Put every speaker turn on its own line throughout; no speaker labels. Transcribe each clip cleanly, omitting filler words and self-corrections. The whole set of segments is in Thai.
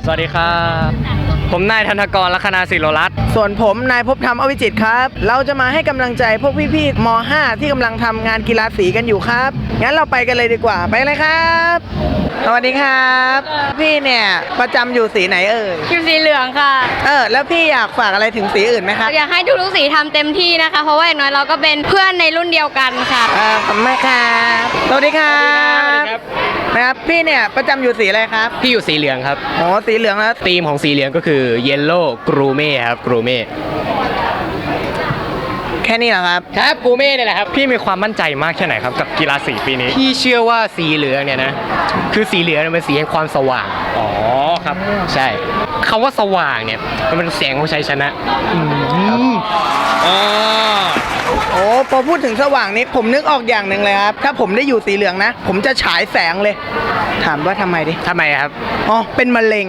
สวัสดีครับผมนายธนกร ลัคนาศิโรรัตน์
ส่วนผมนายภพธรรมอวิจิตรครับเราจะมาให้กำลังใจพวกพี่ๆม.5 ที่กำลังทำงานกีฬาสีกันอยู่ครับงั้นเราไปกันเลยดีกว่าไปเลยครับสวัสดีครับพี่เนี่ยประจำอยู่สีไหนเอ่ย
อยู่สีเหลืองค่ะ
แล้วพี่อยากฝากอะไรถึงสีอื่นไหมครับ
อยากให้ทุกๆสีทำเต็มที่นะคะ เพราะว่าอย่างน้อยเราก็เป็นเพื่อนในรุ่นเดียวกันค่ะ
ขอบคุณมากครับสวัสดีครับนะครับพี่เนี่ยประจำอยู่สีอะไรครับ
พี่อยู่สีเหลืองครับ
อ๋อสีเหลืองแล้ว
ธีมของสีเหลืองก็คือเยลโล่กรูเม่ครับกรูเม่
แค่นี้เหรอครับ
ครับกรูเม่เนี่ยแหละครับพี่มีความมั่นใจมากแค่ไหนครับกับกีฬาสีปีนี้พี่เชื่อว่าสีเหลืองเนี่ยนะคือสีเหลืองมันเป็นสีแห่งความสว่างอ๋อครับใช่คำว่าสว่างเนี่ยมันเป็นแสงของชัยชนะอ๋อ
โอ้พอพูดถึงสว่างนี้ผมนึกออกอย่างหนึ่งเลยครับถ้าผมได้อยู่สีเหลืองนะผมจะฉายแสงเลยถามว่าทำไมดิ
ทำไมครับ
อ๋อเป็นมะเร็ง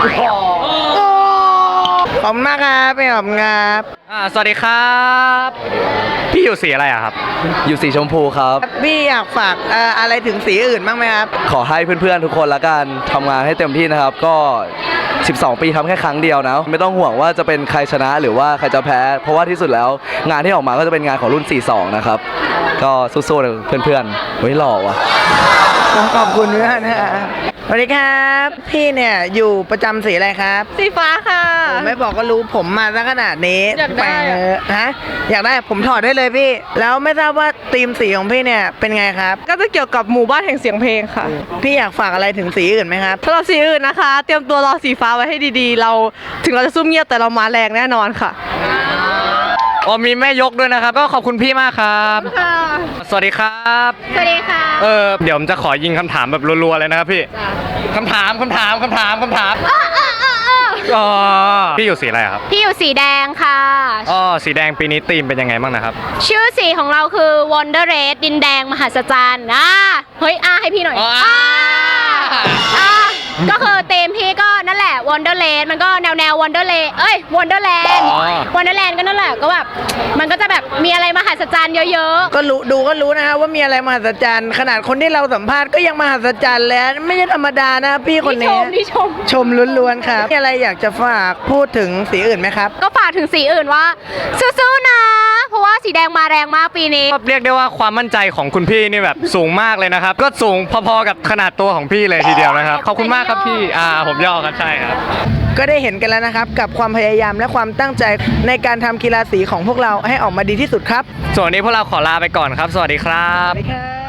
ขอบคุณมากครับพี่ขอบคุณครับ
สวัสดีครับพี่อยู่สีอะไรอะครับ
อยู่สีชมพูครับ
พี่อยากฝากอะไรถึงสีอื่นบ้างไหมครับ
ขอให้เพื่อนๆทุกคนละกันทำงานให้เต็มที่นะครับ ก็ 12 ปีทำแค่ครั้งเดียวนะ ไม่ต้องห่วงว่าจะเป็นใครชนะหรือว่าใครจะแพ้ เพราะว่าที่สุดแล้วงานที่ออกมาก็จะเป็นงานของรุ่น 42 นะครับ ก็สู้ๆนะเพื่อนๆเฮ้ยหล่อว่ะ
ขอบคุณด้วยนะครับสวัสดีครับพี่เนี่ยอยู่ประจำสีอะไรครับ
สีฟ้าค่ะ
ผมไม่บอกก็รู้ผมมาซะขนาดนี้
อยากได้
ฮะอยากได้ผมถอดได้เลยพี่ แล้วไม่ทราบว่าธีมสีของพี่เนี่ยเป็นไงครับ
ก็จะเกี่ยวกับหมู่บ้านแห่งเสียงเพลงค่ะ
พี่อยากฝากอะไรถึงสีอื่นไหมครับ
ถ้าเราสีอื่นนะคะ เตรียมตัวรอสีฟ้าไว้ให้ดีๆ เราถึงเราจะซุ่มเงียบแต่เรามาแรงแน่นอนค่ะ
มีแม่ยกด้วยนะครับ ก็ขอบคุณพี่มากครับ สวัสดีครับ
สวัสดีค่ะ
เดี๋ยวผมจะขอยิงคำถามแบบรัวๆเลยนะครับพี่คำถามอ๋อพี่อยู่สีอะไรครับ
พี่อยู่สีแดงค่ะ
อ๋อสีแดงปีนี้ธีมเป็นยังไงบ้างนะครับ
ชื่อสีของเราคือ Wonder Red ดินแดงมหัศจรรย์เฮ้ยให้พี่หน่อย
อ๋อ
ก็คือธีมพี่ก็นั่นแหละ Wonderland มันก็แนว Wonderland Wonderland
อ๋อ
Wonderland ก็นั่นแหละก็แบบมันก็จะแบบมีอะไรมหัศจรรย์เยอะ
ก็รู้นะฮะว่ามีอะไรมหัศจรรย์ขนาดคนที่เราสัมภาษณ์ก็ยังมหัศจรรย์แล้วไม่ใช่ธรรมดานะพี่
ๆ
คนนี้
ที่ชม
ชมล้วนๆครับมีอะไรอยากจะฝากพูดถึงสีอื่นไหมครับ
ก็ฝากถึงสีอื่นว่าสู้ๆนะ เพราะว่าสีแดงมาแรงมากปีนี้
เรียกได้ว่าความมั่นใจของคุณพี่นี่แบบสูงมากเลยนะครับ ก็สูงพอๆกับขนาดตัวของพี่เลยทีเดียวนะครับ ขอบคุณมากครับพี่ผมย่อครับใช่ครับ
ก็ได้เห็นกันแล้วนะครับกับความพยายามและความตั้งใจในการทำกีฬาสีของพวกเราให้ออกมาดีที่สุดครับ
ส่วนวันนี้พวกเราขอลาไปก่อนครับ สวัสดีครับ
สวัสดีครับ